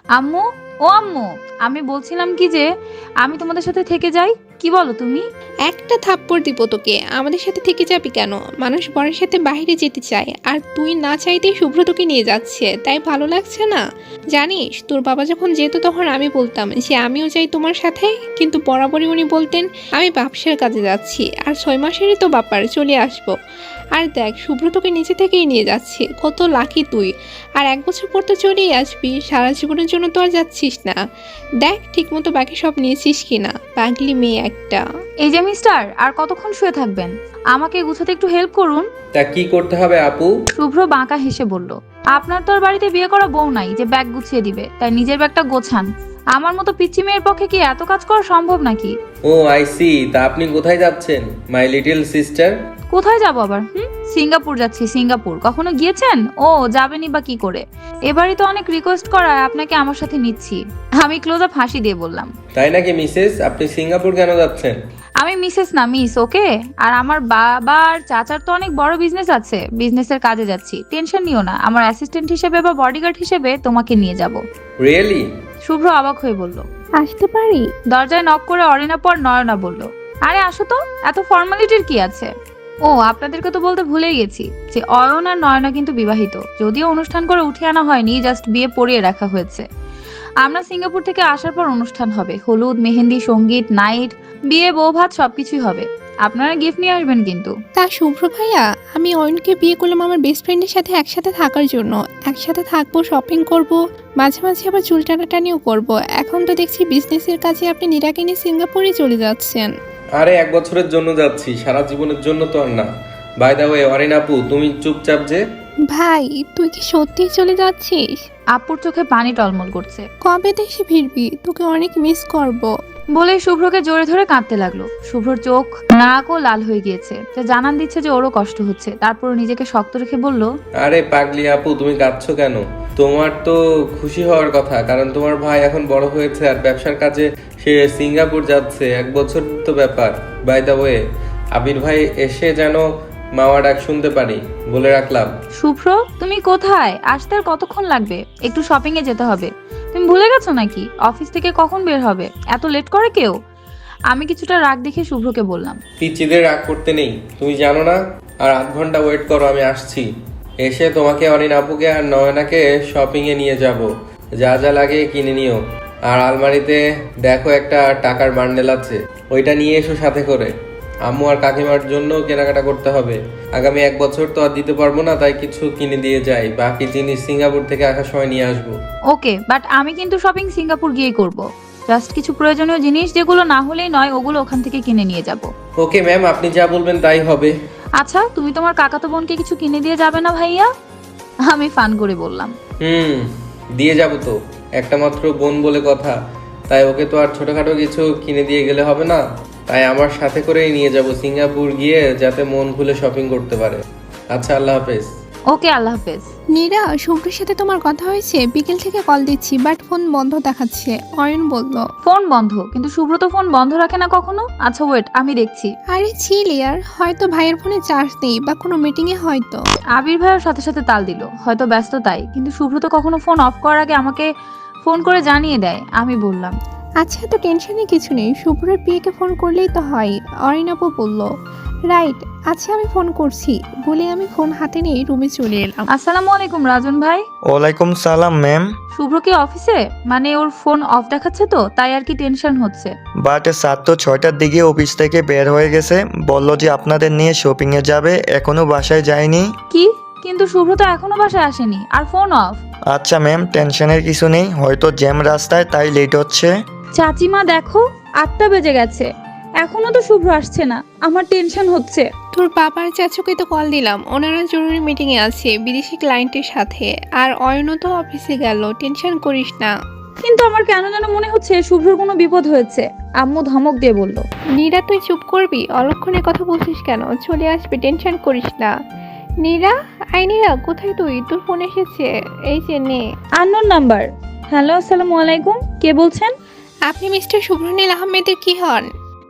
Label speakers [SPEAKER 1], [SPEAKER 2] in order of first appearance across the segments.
[SPEAKER 1] আম্মু, ও আম্মু, আমি বলছিলাম কি যে আমি তোমাদের সাথে থেকে যাই, কি বলো তুমি?
[SPEAKER 2] একটা থাপ্পড় দিব তোকে। আমাদের সাথে থেকে যাবি কেন? মানুষ বরের সাথে বাইরে যেতে চায়, আর তুই না চাইতেই শুভ্র তোকে নিয়ে যাচ্ছে, তাই ভালো লাগছে না? জানিস, তোর বাবা যখন যেত তখন আমি বলতাম যে আমিও যাই তোমার সাথে, কিন্তু বরাবরই উনি বলতেন আমি ব্যবসার কাজে যাচ্ছি, আর 6 মাসেরই তো ব্যাপার, চলে আসবো। আর দেখ, শুভ্র তোকে নিচে থেকেই নিয়ে যাচ্ছে, কত লাকি তুই। আর 1 বছর পর তো চলেই আসবি, সারা জীবনের জন্য তো আর যাচ্ছিস না। দেখ ঠিকমতো বাকি সব নিয়েছিস কিনা, পাগলি মেয়ে একটা।
[SPEAKER 1] এই যে মিস্টার, আর কতক্ষণ শুয়ে থাকবেন? আমাকে গুছাতে একটু হেল্প করুন।
[SPEAKER 3] তা কি করতে হবে আপু?
[SPEAKER 1] শুভ্র বাঁকা হেসে বলল, আপনার তো আর বাড়িতে বিয়ে করা বউ নাই যে ব্যাগ গুছিয়ে দিবে, তাই নিজের ব্যাগটা গোছান। আমার মতো পিচ্চি মেয়ের পক্ষে কি এত কাজ করা সম্ভব নাকি?
[SPEAKER 3] ও আই সি, তা আপনি কোথায় যাচ্ছেন মাই লিটল সিস্টার?
[SPEAKER 1] কোথায় যাবো আবার? সিঙ্গাপুর যাচ্ছি। সিঙ্গাপুর কখনো গিয়েছেন? ও, যাবেনই বা কি করে? এবারই তো অনেক রিকোয়েস্ট করায় আপনাকে আমার সাথে নিচ্ছি। আমি ক্লোজ আপ হাসি দিয়ে বললাম,
[SPEAKER 3] তাই নাকি মিসেস, আপনি সিঙ্গাপুর কেন যাচ্ছেন?
[SPEAKER 1] আমি মিসেস না মিস, ওকে? আর আমার বাবার চাচার তো অনেক বড় বিজনেস আছে, বিজনেসের কাজে যাচ্ছি। টেনশন নিও না, আমার অ্যাসিস্ট্যান্ট হিসেবে বা বডিগার্ড হিসেবে তোমাকে নিয়ে যাব।
[SPEAKER 3] রিয়েলি?
[SPEAKER 1] শুভ্র অবাক হয়ে বলল।
[SPEAKER 2] আসতে পারি?
[SPEAKER 1] দরজায় নক করে অরিনা পর নয়না বলল, আরে আসো তো, এত ফর্মালিটির কি আছে? ও, আপনাদেরকে তো বলতে ভুলেই গেছি যে অয়ন আর নয়না কিন্তু বিবাহিত, যদিও অনুষ্ঠান করে উঠে আনা হয়নি, জাস্ট বিয়ে পড়িয়ে রাখা হয়েছে। আমরা সিঙ্গাপুর থেকে আসার পর অনুষ্ঠান হবে, হলুদ, মেহেন্দি, সঙ্গীত, নাইট, বিয়ে, বউ ভাত সবকিছুই হবে। আপনারা গিফট নিয়ে আসবেন কিন্তু।
[SPEAKER 2] তা শুভ্র ভাইয়া, আমি অয়নকে বিয়ে করলাম আমার বেস্ট ফ্রেন্ডের সাথে একসাথে থাকার জন্য। একসাথে থাকবো, শপিং করব, মাঝে মাঝে আবার চুল টানাটানিও করব। এখন তো দেখছি বিজনেসের কাজে আপনি নীরাকে নিয়ে সিঙ্গাপুরে চলে যাচ্ছেন।
[SPEAKER 3] আরে 1 বছরের জন্য যাচ্ছি, সারা জীবনের জন্য তো আর না। বাই দা ওয়ে অরিন আপু, তুমি চুপচাপ যে।
[SPEAKER 2] ভাই, তুই কি সত্যিই চলে যাচ্ছিস?
[SPEAKER 1] আপুর চোখে পানি টলমল করছে।
[SPEAKER 2] কবে দেশে ফিরবি? তোকে অনেক মিস করব।
[SPEAKER 1] বলে শুভ্রকে জোরে ধরে কাঁদতে লাগলো। শুভ্রর চোখ, নাক ও লাল হয়ে গিয়েছে, যা জানান দিচ্ছে যে ওরও কষ্ট হচ্ছে। তারপর নিজেকে শক্ত রেখে বলল,
[SPEAKER 3] আরে পাগলি আপু, তুমি কাঁদছো কেন? তোমার তো খুশি হওয়ার কথা, কারণ তোমার ভাই এখন বড় হয়েছে আর ব্যবসার কাজে সে সিঙ্গাপুর যাচ্ছে। 1 বছর তো ব্যাপার। বাই দা ওয়ে, আবির ভাই এসে যেন মাওয়া ডাক শুনতে পারি, বলে রাখলাম।
[SPEAKER 1] শুভ্র তুমি কোথায়? আসতে আর কতক্ষণ লাগবে? একটু শপিং এ যেতে হবে। তুমি ভুলে গেছো নাকি অফিস থেকে কখন বের হবে? এত লেট করে কেউ? আমি কিছুটা রাগ দেখে শুভ্রকে বললাম,
[SPEAKER 3] পিচ্চিদের রাগ করতে নেই, তুমি জানো না? আর 8 ঘন্টা ওয়েট করো, আমি আসছি। এসে তোমাকে অরিন আপুকে আর নয়নাকে শপিং এ নিয়ে যাব। যা যা লাগে কিনে নিও। আর আলমারিতে দেখো একটা টাকার বান্ডেল আছে, ওইটা নিয়ে এসো সাথে করে। আম্মু আর কাকিমার জন্য কেনাকাটা করতে হবে। আগামী 1 বছর তো আর দিতে পারবো না, তাই কিছু কিনে দিয়ে যাই। বাকি জিনিস সিঙ্গাপুর থেকে আসার সময় নিয়ে আসবো।
[SPEAKER 1] ওকে, বাট আমি কিন্তু শপিং সিঙ্গাপুর গিয়েই করব। জাস্ট কিছু প্রয়োজনীয় জিনিস যেগুলো না হলেই নয়, ওগুলো ওখান থেকে কিনে নিয়ে যাব।
[SPEAKER 3] ওকে ম্যাম, আপনি যা বলবেন তাই হবে।
[SPEAKER 1] আচ্ছা, তুমি তোমার কাকাতো বোনকে কিছু কিনে দিয়ে যাবে না ভাইয়া? আমি ফান করে বললাম।
[SPEAKER 3] হুম, দিয়ে যাব তো। একটা মাত্র বোন বলে কথা, তাই ওকে তো আর ছোটখাটো কিছু কিনে দিয়ে গেলে হবে না। তাই আমার সাথে করেই নিয়ে যাব সিঙ্গাপুর গিয়ে, যাতে মন খুলে শপিং করতে পারে। আচ্ছা, আল্লাহ হাফেজ।
[SPEAKER 1] ওকে, আল্লাহ হাফেজ।
[SPEAKER 2] নীরা, শুভ্রের সাথে তোমার কথা হয়েছে? বিকেল থেকে কল দিচ্ছি, বাট ফোন বন্ধ দেখাচ্ছে। অয়ন বলল।
[SPEAKER 1] ফোন বন্ধ? কিন্তু শুভ্র তো ফোন বন্ধ রাখে না কখনো। আচ্ছা ওয়েট, আমি দেখছি।
[SPEAKER 2] আরে ছিল ইয়ার, হয়তো ভাইয়ের ফোনে চার্জ নেই বা কোনো মিটিংয়ে হয়তো।
[SPEAKER 1] আবির ভাইয়ের সাথে সাথে তাল দিল, হয়তো ব্যস্ত তাই। কিন্তু শুভ্র তো কখনো ফোন অফ করার আগে আমাকে ফোন করে জানিয়ে দেয়। আমি বললাম,
[SPEAKER 2] আচ্ছা, তো টেনশনে কিছু নেই, শুভ্রের পিএকে ফোন করলেই তো হয়। অরিন আপু বলল। রাইট, আচ্ছা আমি ফোন করছি বলে আমি ফোন হাতে নিয়ে রুমে চলে এলাম।
[SPEAKER 1] আসসালামু আলাইকুম রাজন ভাই।
[SPEAKER 4] ওয়ালাইকুম সালাম ম্যাম।
[SPEAKER 1] শুভ্র কি অফিসে? মানে ওর ফোন অফ দেখাচ্ছে তো, তাই আর কি টেনশন হচ্ছে।
[SPEAKER 4] বাট স্যার তো 6টার দিকে অফিস থেকে বের হয়ে গেছে, বলল যে আপনাদের নিয়ে শপিংয়ে যাবে, এখনো বাসায় যায়নি।
[SPEAKER 1] কি? কিন্তু শুভ্র তো এখনো বাসায় আসেনি, আর ফোন অফ।
[SPEAKER 4] আচ্ছা ম্যাম, টেনশনের কিছু নেই, হয়তো জ্যাম রাস্তায় তাই লেট হচ্ছে।
[SPEAKER 1] চাচিমা দেখো, 8টা বেজে গেছে, এখনো তো শুভ্র আসছে না। আমার টেনশন হচ্ছে।
[SPEAKER 2] তোর বাবার চাচুকে তো কল দিলাম, ওনারা জরুরি মিটিংয়ে আছে বিদেশি ক্লায়েন্টের সাথে। আর অয়নও তো অফিসে গেল, টেনশন করিস না।
[SPEAKER 1] কিন্তু আমার কেন যেন মনে হচ্ছে শুভ্রর কোনো বিপদ হয়েছে। আম্মু ধমক দিয়ে বলল,
[SPEAKER 2] নীরা, তুই চুপ করবি? অলক্ষণে কথা বলছিস কেন? চলে আসবে, টেনশন করিস না। নীরা, আই নীরা, কোথায় তুই? তোর ফোন এসেছে, এই যে নে।
[SPEAKER 1] Unknown number. হ্যালো, আসসালামু আলাইকুম, কে বলছেন?
[SPEAKER 2] আপনি মিস্টার শুভ্রনীল আহমেদের কি হন?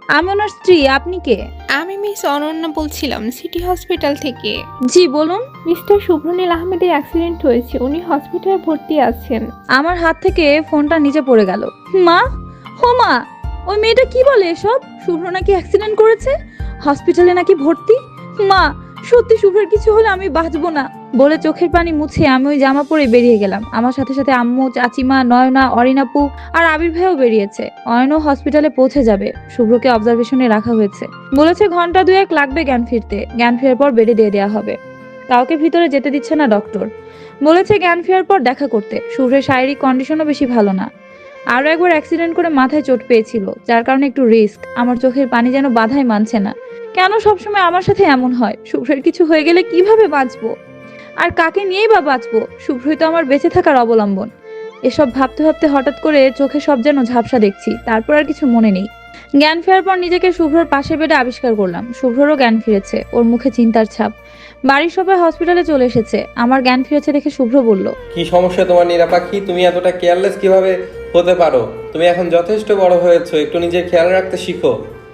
[SPEAKER 1] আমি ওনার স্ত্রী, আপনি কে?
[SPEAKER 2] আমি মিস অনন্যা বলছিলাম সিটি হসপিটাল থেকে।
[SPEAKER 1] জি বলুন।
[SPEAKER 2] মিস্টার শুভ্রনীল আহমেদের অ্যাক্সিডেন্ট হয়েছে, উনি হসপিটালে ভর্তি আছেন।
[SPEAKER 1] আমার হাত থেকে ফোনটা নিচে পড়ে গেল। মা, ও মা, ওই মেয়েটা কি বলে এসব? শুভ্র নাকি অ্যাক্সিডেন্ট করেছে, হসপিটালে নাকি ভর্তি। মা, সত্যি শুভ্রের কিছু হলে আমি বাঁচবো না। বলে চোখের পানি মুছে আমি ওই জামা পরে বেরিয়ে গেলাম। আমার সাথে সাথে আম্মু, চাচিমা, নয়না, অরিনাপু আর আবির ভাইও বেরিয়েছে। অয়নও হসপিটালে পৌঁছে যাবে। শুভ্রকে অবজারভেশনে রাখা হয়েছে। বলেছে ঘন্টা 2-1 লাগবে জ্ঞান ফিরতে। জ্ঞান ফেরার পর বেডে দিয়ে দেওয়া হবে। কাউকে ভিতরে যেতে দিচ্ছে না ডক্টর। বলেছে জ্ঞান ফেরার পর দেখা করতে। শুভ্রের শারীরিক কন্ডিশনও বেশি ভালো না। আরো একবার অ্যাক্সিডেন্ট করে মাথায় চোট পেয়েছিল, যার কারণে একটু রিস্ক। আমার চোখের পানি যেন বাধাই মানছে না। কেন সবসময় আমার সাথে এমন হয়? শুভ্রের কিছু হয়ে গেলে কিভাবে বাঁচবো? আর কাকে নিয়েই বা বাঁচবো? শুভ্রই তো আমার বেঁচে থাকার অবলম্বন। এসব ভাবতে ভাবতে হঠাৎ করে চোখে সব যেন ঝাপসা দেখছি। তারপর আর কিছু মনে নেই। জ্ঞান ফেরার পর নিজেকে শুভ্রর পাশের বেডে আবিষ্কার করলাম। শুভ্ররও জ্ঞান ফিরেছে, ওর মুখে চিন্তার ছাপ। বাড়ির সবাই হসপিটালে চলে এসেছে। আমার জ্ঞান ফিরেছে দেখে শুভ্র বলল,
[SPEAKER 3] কি সমস্যা তোমার নীরা পাখি? তুমি এতটা কেয়ারলেস কিভাবে হতে পারো? তুমি এখন যথেষ্ট বড় হয়েছো, একটু নিজের খেয়াল রাখতে শিখো।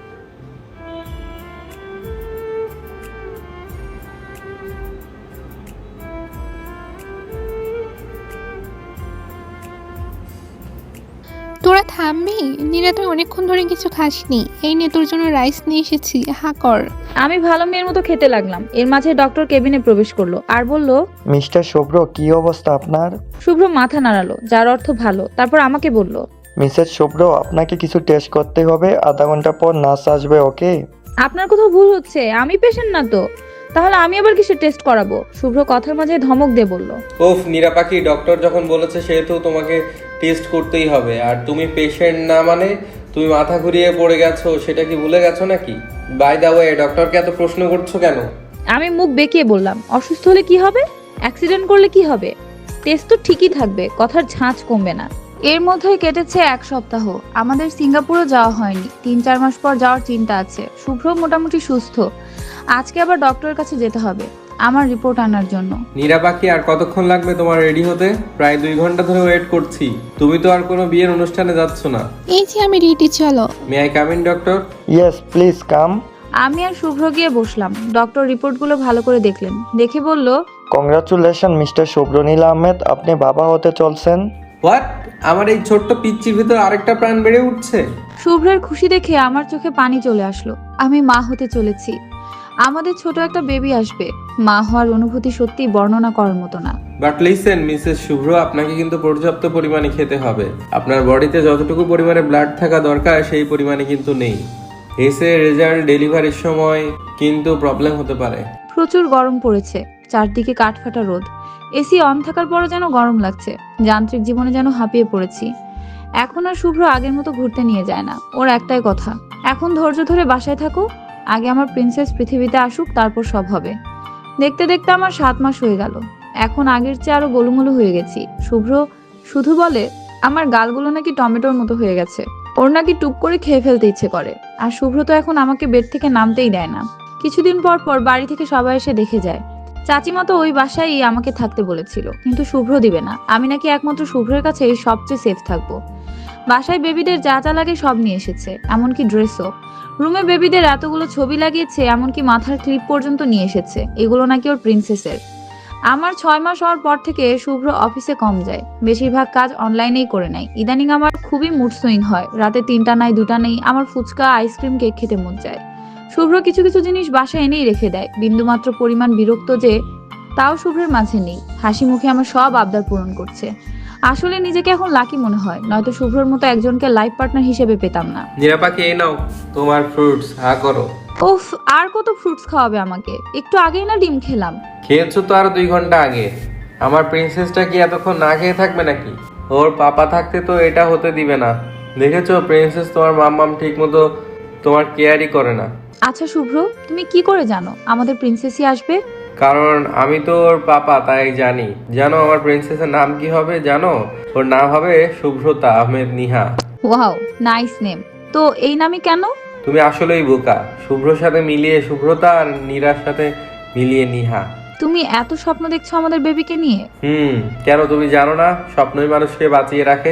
[SPEAKER 2] তোরা থামবি? নীরা, তুই অনেকক্ষণ ধরে কিছু খাসনি। এই নে তোর জন্য রাইস নিয়ে এসেছি, হা কর।
[SPEAKER 1] আমি ভালো মেয়ের মতো খেতে লাগলাম। এর মাঝে ডক্টর কেবিনে প্রবেশ করলো আর বলল,
[SPEAKER 4] মিস্টার শুভ্র, কি অবস্থা আপনার?
[SPEAKER 1] শুভ্র মাথা নাড়ালো, যার অর্থ ভালো। তারপর আমাকে বলল,
[SPEAKER 4] মিসেস শুভ্র, আপনাকে কিছু টেস্ট করতে হবে। আধা ঘন্টা পর নার্স আসবে, ওকে?
[SPEAKER 1] আপনার কোথাও ভুল হচ্ছে, আমি পেশেন্ট না তো। তাহলে আমি আবার কিসের টেস্ট করাবো? শুভ্র কথার মাঝে ধমক দিয়ে বলল,
[SPEAKER 3] ওফ নীরা পাখি, ডক্টর যখন বলেছে সেহেতু তোমাকে টেস্ট করতেই হবে। আর তুমি পেশেন্ট না মানে তুমি মাথা ঘুরিয়ে পড়ে গেছো, সেটা কি ভুলে গেছো নাকি? বাই দা ওয়ে, ডক্টরকে এত প্রশ্ন করছো কেন?
[SPEAKER 1] আমি মুখ বেঁকিয়ে বললাম, অসুস্থ হলে কি হবে? অ্যাক্সিডেন্ট করলে কি হবে? টেস্ট তো ঠিকই থাকবে, কথার ঝাঁজ কমবে না। এর মধ্যেই কেটেছে 1 সপ্তাহ। আমাদের সিঙ্গাপুরও যাওয়া হয়নি। 3-4 মাস পর যাওয়ার চিন্তা আছে। শুভ্র মোটামুটি সুস্থ। আজকে আবার ডক্টরের কাছে যেতে হবে আমার রিপোর্ট আনার জন্য।
[SPEAKER 3] নীরা পাখি, আর কতক্ষণ লাগবে তোমার রেডি হতে? প্রায় 2 ঘন্টা ধরে ওয়েট করছি। তুমি তো আর কোনো বিয়ের অনুষ্ঠানে যাচ্ছ না।
[SPEAKER 2] এই যে আমি রেডি, চলো।
[SPEAKER 3] May I come in doctor?
[SPEAKER 4] Yes please come.
[SPEAKER 1] আমি আর শুভ্র গিয়ে বসলাম। ডক্টর রিপোর্টগুলো ভালো করে দেখলেন। দেখে বলল,
[SPEAKER 4] কংগ্রাচুলেশন মিস্টার শুভ্রনীল আহমেদ, আপনি বাবা হতে চলছেন।
[SPEAKER 3] হোয়াট? আমার এই ছোট্ট পিচ্চির ভিতর আরেকটা প্রাণ বেড়ে উঠছে।
[SPEAKER 1] শুভ্রের খুশি দেখে আমার চোখে পানি চলে আসলো। আমি মা হতে চলেছি। আমাদের ছোট একটা বেবি আসবে। মা হওয়ার অনুভূতি সত্যি বর্ণনা করার মতো না।
[SPEAKER 3] বাট লিসেন মিসেস শুভ্র, আপনাকে কিন্তু পর্যাপ্ত পরিমাণে খেতে হবে। আপনার বডিতে যতটুকু পরিমাণে ব্লাড থাকা দরকার সেই পরিমাণে কিন্তু নেই। এসে রেজাল্ট ডেলিভারির সময় কিন্তু প্রবলেম হতে পারে।
[SPEAKER 1] প্রচুর গরম পড়েছে। চারদিকে কাঠফাটা রোদ। এসি অন থাকার পরও যেন গরম লাগছে। যান্ত্রিক জীবনে যেন হাঁপিয়ে পড়েছি। এখন আর শুভ্র আগের মতো ঘুরতে নিয়ে যায় না। ওর একটাই কথা, এখন ধৈর্য ধরে বাসায় থাকো। আগে আমার প্রিন্সেস পৃথিবীতে আসুক, তারপর সব হবে। দেখতে দেখতে আমার 7 মাস হয়ে গেল। এখন আগের চেয়ে আরো গোলুমোলু হয়ে গেছি। শুভ্র শুধু বলে আমার গালগুলো নাকি টমেটোর মতো হয়ে গেছে। ওর নাকি টুপ করে খেয়ে ফেলতে ইচ্ছে করে। আর শুভ্র তো এখন আমাকে বেড থেকে নামতেই দেয় না। কিছুদিন পর পর বাড়ি থেকে সবাই এসে দেখে যায়। চাচিমা তো ওই বাসায় আমাকে থাকতে বলেছিল, কিন্তু শুভ্র দিবে না। আমি নাকি একমাত্র শুভ্রের কাছে সবচেয়ে সেফ থাকবো। বাসায় বেবিদের যা যা লাগে সব নিয়ে এসেছে, এমনকি ড্রেসও। রুমে বেবিদের এতগুলো ছবি লাগিয়েছে, এমনকি মাথার ক্লিপ পর্যন্ত নিয়ে এসেছে। এগুলো নাকি ওর প্রিন্সেসের। আমার 6 মাস হওয়ার পর থেকে শুভ্র অফিসে কম যায়। বেশিরভাগ কাজ অনলাইনেই করে নেয়। ইদানিং আমার খুবই মুড সুইং হয়। রাতে 3টা নাই 2টা নেই, আমার ফুচকা, আইসক্রিম, কেক খেতে মন চায়। শুভ্র কিছু কিছু জিনিস বাসায় এনেই রেখে দেয়। বিন্দুমাত্র পরিমাণ বিরক্ত যে তাও শুভ্রের মাঝে নেই। হাসি মুখে আমার সব আবদার পূরণ করছে। আসলে নিজেকে এখন লাকি মনে হয়, নয়তো শুভ্রর মতো একজনকে লাইফ পার্টনার হিসেবে পেতাম না।
[SPEAKER 3] নীরা পাখি, এই নাও তোমার ফ্রুটস, হা করো।
[SPEAKER 1] উফ, আর কত ফ্রুটস খাওয়াবে আমাকে? একটু আগেই না ডিম খেলাম।
[SPEAKER 3] খেয়েছো তো আরো 2 ঘন্টা আগে। আমার প্রিন্সেসটা কি এতক্ষণ না খেয়ে থাকবে নাকি? ওর পাপা থাকতে তো এটা হতে দিবে না। দেখেছো প্রিন্সেস, তোমার মাম্মাম ঠিক মতো তোমার কেয়ারই করে না।
[SPEAKER 1] আচ্ছা শুভ্র, তুমি কি করে জানো আমাদের প্রিন্সেসই আসবে?
[SPEAKER 3] কারণ আমি তো ওর পাপা, তাই জানি। জানো আমার প্রিন্সেসের নাম কি হবে? জানো ওর নাম হবে Shubhrota Ahmed Niha.
[SPEAKER 1] Wow, nice name. তো এই নামই কেন?
[SPEAKER 3] তুমি আসলেই বোকা। শুভ্রর সাথে মিলিয়ে শুভ্রতা আর নীরার সাথে মিলিয়ে নিহা।
[SPEAKER 1] তুমি এত স্বপ্ন দেখছো আমাদের বেবিকে নিয়ে?
[SPEAKER 3] কেন তুমি জানো না স্বপ্নই মানুষকে বাঁচিয়ে রাখে?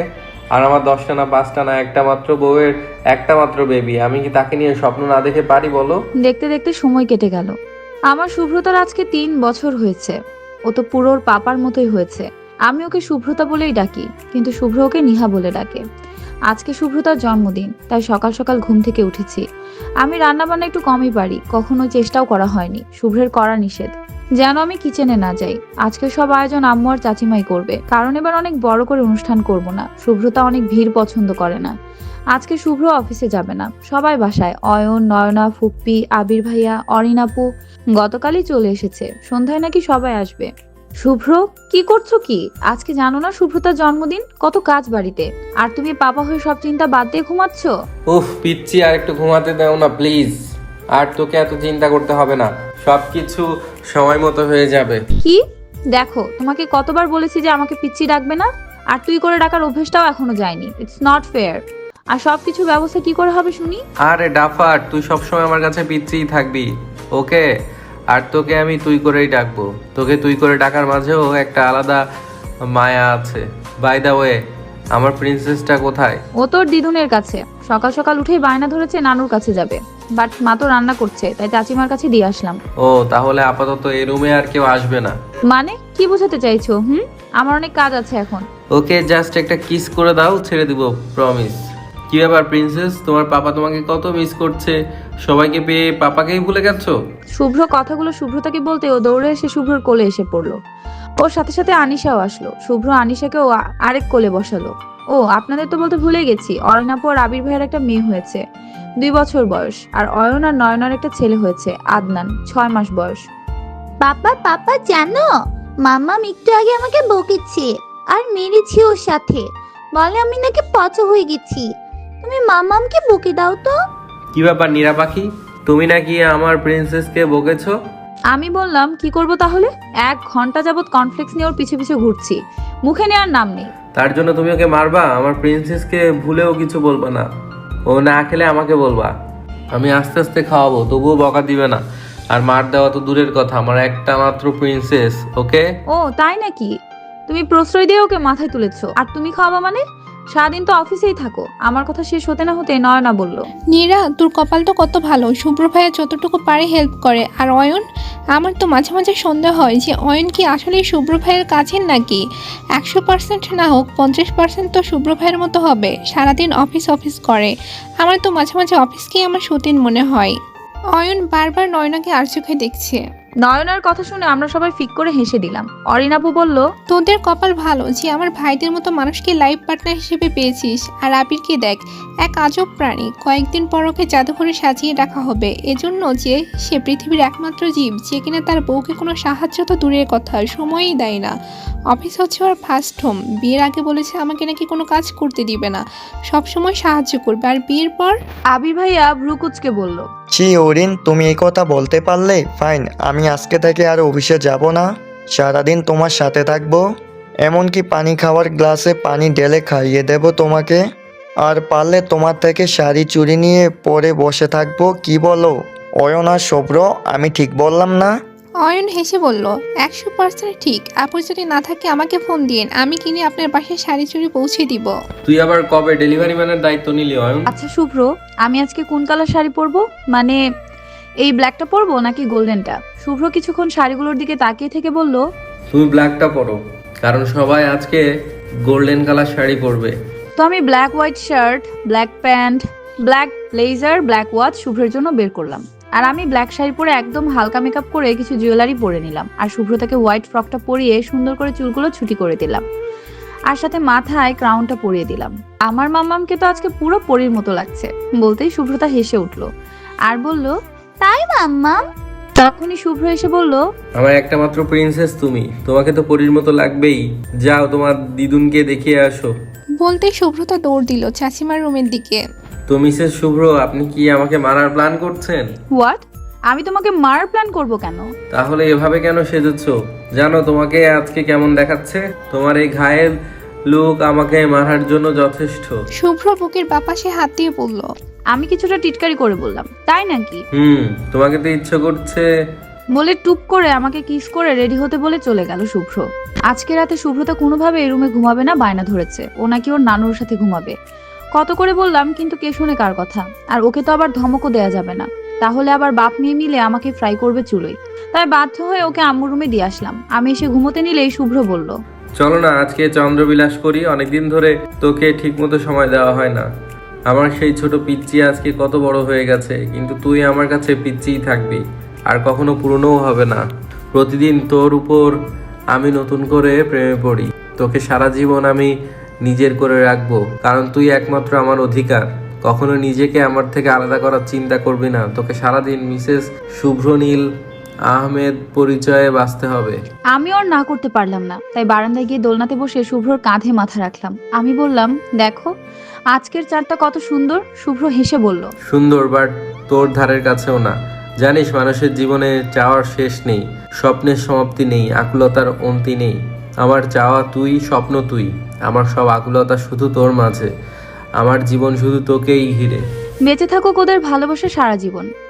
[SPEAKER 3] আর আমার 10টা না 5টা না একটা মাত্র বউয়ের একটা মাত্র বেবি, আমি কি তাকে নিয়ে স্বপ্ন না দেখে পারি বলো?
[SPEAKER 1] দেখতে দেখতে সময় কেটে গেল। আমার শুভ্রতার আজকে 3 বছর হয়েছে। ও তো পুরো ওর পাপার মতোই হয়েছে। আমি ওকে শুভ্রতা বলেই ডাকি, কিন্তু শুভ্র ওকে নিহা বলে ডাকে। আজকে শুভ্রতার জন্মদিন, তাই সকাল সকাল ঘুম থেকে উঠেছি। আমি রান্নাবান্না একটু কমই পারি, কখনো চেষ্টাও করা হয়নি। শুভ্রের করা নিষেধ যেন আমি কিচেনে না যাই। আজকে সব আয়োজন আম্মু আর চাচিমাই করবে, কারণ এবার অনেক বড় করে অনুষ্ঠান করব না। শুভ্রতা অনেক ভিড় পছন্দ করে না। আজকে শুভ্র অফিসে যাবে না, সবাই বাসায়। অয়ন, নয়না, ফুপ্পি, আবির ভাইয়া, অরিন আপু গতকালই চলে এসেছে। সন্ধ্যায় নাকি সবাই আসবে। শুভ্র, কি করছো কি? আজকে জানো না শুভ্রতার জন্মদিন? কত কাজ বাড়িতে, আর তুমি পাপা হয়ে সব চিন্তা বাদ দিয়ে ঘুমাচ্ছ।
[SPEAKER 3] উফ পিচ্ছি, আর একটু ঘুমাতে দাও না প্লিজ। আর তোকে এত চিন্তা করতে হবে না, সবকিছু সময় মতো হয়ে যাবে।
[SPEAKER 1] কি? দেখো, তোমাকে কতবার বলেছি যে আমাকে পিচ্ছি ডাকবে না, আর তুই করে ডাকার অভ্যেসটাও এখনো যায়নি। It's not fair. আর সবকিছু ব্যবস্থা কি করে হবে শুনি?
[SPEAKER 3] আরে ডাফার, তুই সবসময় আমার কাছে পিচ্ছিই থাকবি, ওকে? আর তোকে আমি তুই করেই ডাকবো। তোকে তুই করে ডাকার মাঝেও একটা আলাদা মায়া আছে। বাই দ্য ওয়ে, আমার প্রিন্সেসটা কোথায়?
[SPEAKER 1] ও তোর দিদুনের কাছে। সকাল সকাল উঠেই বায়না ধরেছে নানুর কাছে যাবে, বাট মা তো রান্না করছে, তাই চাচিমার কাছে দিয়ে আসলাম।
[SPEAKER 3] ও তাহলে আপাতত এই রুমে আর কেউ আসবে না?
[SPEAKER 1] মানে কি বোঝাতে চাইছো? আমার অনেক কাজ আছে এখন।
[SPEAKER 3] ওকে, জাস্ট একটা কিস করে দাও, ছেড়ে দিব, প্রমিস। কি ব্যাপার প্রিন্সেস, তোমার পাপা তোমাকে কত মিস করছে। সবাইকে পেয়ে পাপাকেই ভুলে গেছো?
[SPEAKER 1] শুভ্র কথাগুলো শুভ্রতাকে বলতে ও দৌড়ে এসে শুভ্রর কোলে এসে পড়লো। ওর সাথে সাথে আনিশাও আসলো। শুভ্র আনিশাকেও আরেক কোলে বসালো। ও, আপনাদের তো বলতে ভুলে গেছি, অরণ্য আপু আর আবির ভাইয়ের একটা মেয়ে হয়েছে, 2 বছর বয়স। আর অয়ন আর নয়নার একটা ছেলে হয়েছে, আদনান, 6 মাস বয়স।
[SPEAKER 5] পাপা পাপা জানো, মাম্মাম একটু আগে আমাকে বকেছে আর মেরেছে ওর সাথে। বলে আমি নাকি পচা হয়ে গেছি। তুমি মাম্মামকে বকে দাও তো।
[SPEAKER 3] কি ব্যাপার নীরা পাখি, তুমি নাকি আমার প্রিন্সেসকে বকেছো?
[SPEAKER 1] আমি বললাম কি করব তাহলে? 1 ঘন্টা যাবত কনফ্লেক্স নিয়ে ওর পিছে পিছে ঘুরছি, মুখে নেওয়ার নাম নেই।
[SPEAKER 3] তার জন্য তুমি ওকে মারবা? আমার প্রিন্সেসকে ভুলেও কিছু বলবা না। ও না খেলে আমাকে বলবা, আমি আস্তে আস্তে খাওয়াবো, তবুও বকা দিবে না। আর মার দেওয়া তো দূরের কথা, আমার একটা মাত্র প্রিন্সেস, ওকে?
[SPEAKER 1] ও তাই নাকি? তুমি প্রশ্রয় দিয়ে ওকে মাথায় তুলেছো, আর তুমি খাওয়াবা মানে? সারাদিন তো অফিসেই থাকো। আমার কথা শেষ হতে না হতে নয়না বলল,
[SPEAKER 2] নীরা, তোর কপাল তো কত ভালো, শুভ্র ভাইয়া যতটুকু পারে হেল্প করে। আর অয়ন, আমার তো মাঝে মাঝে সন্দেহ হয় যে অয়ন কি আসলে শুভ্র ভাইয়ের কাছের নাকি। 100% না হোক 50% তো শুভ্র ভাইয়ের মতো হবে। সারাদিন অফিস অফিস করে। আমার তো মাঝে মাঝে অফিসকেই আমার সতীন মনে হয়। অয়ন বারবার নয়নাকে আর চোখে দেখছে।
[SPEAKER 1] নয়নার কথা শুনে আমরা সবাই ফিক করে হেসে দিলাম। অরিন আপু বলল,
[SPEAKER 2] তোদের কপাল ভালো যে আমার ভাইদের মতো মানুষকে লাইফ পার্টনার হিসেবে পেয়েছিস। আর আবিরকে দেখ, এক আজব প্রাণী। কয়েকদিন পর ওকে জাদুঘরে সাজিয়ে রাখা হবে, এজন্য যে সে পৃথিবীর একমাত্র জীব যে কিনা তার বউকে কোনো সাহায্য তো দূরের কথা, সময়ই দেয় না। অফিস হচ্ছে ওর ফার্স্ট হোম। বিয়ের আগে বলেছে আমাকে নাকি কোনো কাজ করতে দিবে না, সবসময় সাহায্য করবে। আর বিয়ের পর
[SPEAKER 1] আবির ভাইয়া ভ্রুকুচকে বলল,
[SPEAKER 4] ছি অরিন, তুমি এই কথা বলতে পারলে? ফাইন, আমি আজকে থেকে আর অফিসে যাব না, সারাদিন তোমার সাথে থাকবো। এমনকি পানি খাওয়ার গ্লাসে পানি ঢেলে খাইয়ে দেব তোমাকে। আর পারলে তোমার থেকে শাড়ি চুরি নিয়ে পরে বসে থাকবো, কি বলো অয়ন আর শুভ্র? আমি ঠিক বললাম না?
[SPEAKER 2] অয়ন হেসে বলল, 100% ঠিক। আপু যদি না থাকে আমাকে ফোন দিন, আমি কিনে আপনার বাসায় শাড়ি চুরি পৌঁছে দিব।
[SPEAKER 3] তুই আবার কবে ডেলিভারি ম্যানের দায়িত্ব নিলি অয়ন?
[SPEAKER 1] আচ্ছা শুভ্র, আমি আজকে কোন কালার শাড়ি পরবো? মানে এই ব্ল্যাকটা পরবো নাকি গোল্ডেনটা? শুভ্র কিছুক্ষণ শাড়িগুলোর দিকে তাকিয়ে থেকে বলল,
[SPEAKER 3] তুমি ব্ল্যাকটা পরো, কারণ সবাই আজকে গোল্ডেন কালার শাড়ি পরবে।
[SPEAKER 1] তো আমি black white shirt, black pant, black blazer, black watch শুভ্রের জন্য বের করলাম। আর আমি ব্ল্যাক শাড়ি পরে একদম হালকা মেকআপ করে কিছু জুয়েলারি পরে নিলাম। আর শুভ্রতাকে হোয়াইট ফ্রকটা পরিয়ে সুন্দর করে চুলগুলো ছুটি করে দিলাম, আর সাথে মাথায় ক্রাউনটা পরিয়ে দিলাম। আমার মাম্মামকে তো আজকে পুরো পরীর মতো লাগছে। বলতেই শুভ্রতা হেসে উঠলো আর বলল,
[SPEAKER 5] তাই মাম্মাম?
[SPEAKER 1] তখনই শুভ্র এসে বলল,
[SPEAKER 3] আমার একটা মাত্র প্রিন্সেস তুমি, তোমাকে তো পরীর মতো লাগবেই। যাও তোমার দিদুনকে দেখিয়ে আসো।
[SPEAKER 2] বলতে শুভ্রতা দৌড় দিল চাচিমার রুমের দিকে।
[SPEAKER 3] তো মিসেস শুভ্র, আপনি কি আমাকে মারার প্ল্যান করছেন?
[SPEAKER 1] হোয়াট? আমি তোমাকে মার প্ল্যান করব কেন?
[SPEAKER 3] তাহলে এভাবে কেন সেজেছো? জানো তোমাকে আজকে কেমন দেখাচ্ছে? তোমার এই ঘায়েল লুক আমাকে মারার জন্য যথেষ্ট।
[SPEAKER 2] শুভ্র বুকের বাপাশে হাত দিয়ে বলল,
[SPEAKER 1] আমি কিছুটা টিটকারি করে বললাম, তাই নাকি?
[SPEAKER 3] তোমাকে তো ইচ্ছে করছে
[SPEAKER 1] বলে টুপ করে আমাকে কিস করে রেডি হতে বলে চলে গেল শুভ্র। আজকে রাতে শুভ্রতা কোনোভাবে এই রুমে ঘুমাবে না, বায়না ধরেছে ও নাকি ওর নানুর সাথে ঘুমাবে। কত করে বললাম, কিন্তু কে শুনে কার কথা। আর ওকে তো আবার ধমকও দেয়া যাবে না, তাহলে আবার বাপ মেয়ে মিলে আমাকে ফ্রাই করবে চুলোই। তাই বাধ্য হয়ে ওকে আম্মুর রুমে দিয়ে আসলাম। আমি এসে ঘুমোতে নিলেই শুভ্র বলল,
[SPEAKER 3] চলো না আজকে চন্দ্রবিলাস করি, অনেকদিন ধরে তোকে ঠিকমতো সময় দেওয়া হয় না। আমার সেই ছোট পিচ্চি আজকে কত বড় হয়ে গেছে, কিন্তু তুই আমার কাছে পিচ্চিই থাকবি, আর কখনো পুরনোও হবে না। প্রতিদিন তোর উপর আমি নতুন করে প্রেমে পড়ি। তোকে সারা জীবন আমি নিজের করে রাখবো, কারণ তুই একমাত্র আমার অধিকার। কখনো নিজেকে আমার থেকে আলাদা করার চিন্তা করবি না। তোকে সারাদিন মিসেস শুভ্রনীল আহমেদ পরিচয়ে বাঁচতে হবে।
[SPEAKER 1] আমি ওর না করতে পারলাম না, তাই বারান্দায় গিয়ে দোলনাতে বসে শুভ্রর কাঁধে মাথা রাখলাম। আমি বললাম, দেখো আজকের চাঁদটা কত সুন্দর। শুভ্র হেসে বলল,
[SPEAKER 3] সুন্দর, বাট তোর ধারের কাছেও না। জানিস মানুষের জীবনে চাওয়ার শেষ নেই, স্বপ্নের সমাপ্তি নেই, আকুলতার অন্তি নেই। আমার চাওয়া তুই, স্বপ্ন তুই, আমার সব আকুলতা শুধু তোর মাঝে। আমার জীবন শুধু তোকেই ঘিরে।
[SPEAKER 1] বেঁচে থাকুক ওদের ভালোবাসা সারা জীবন।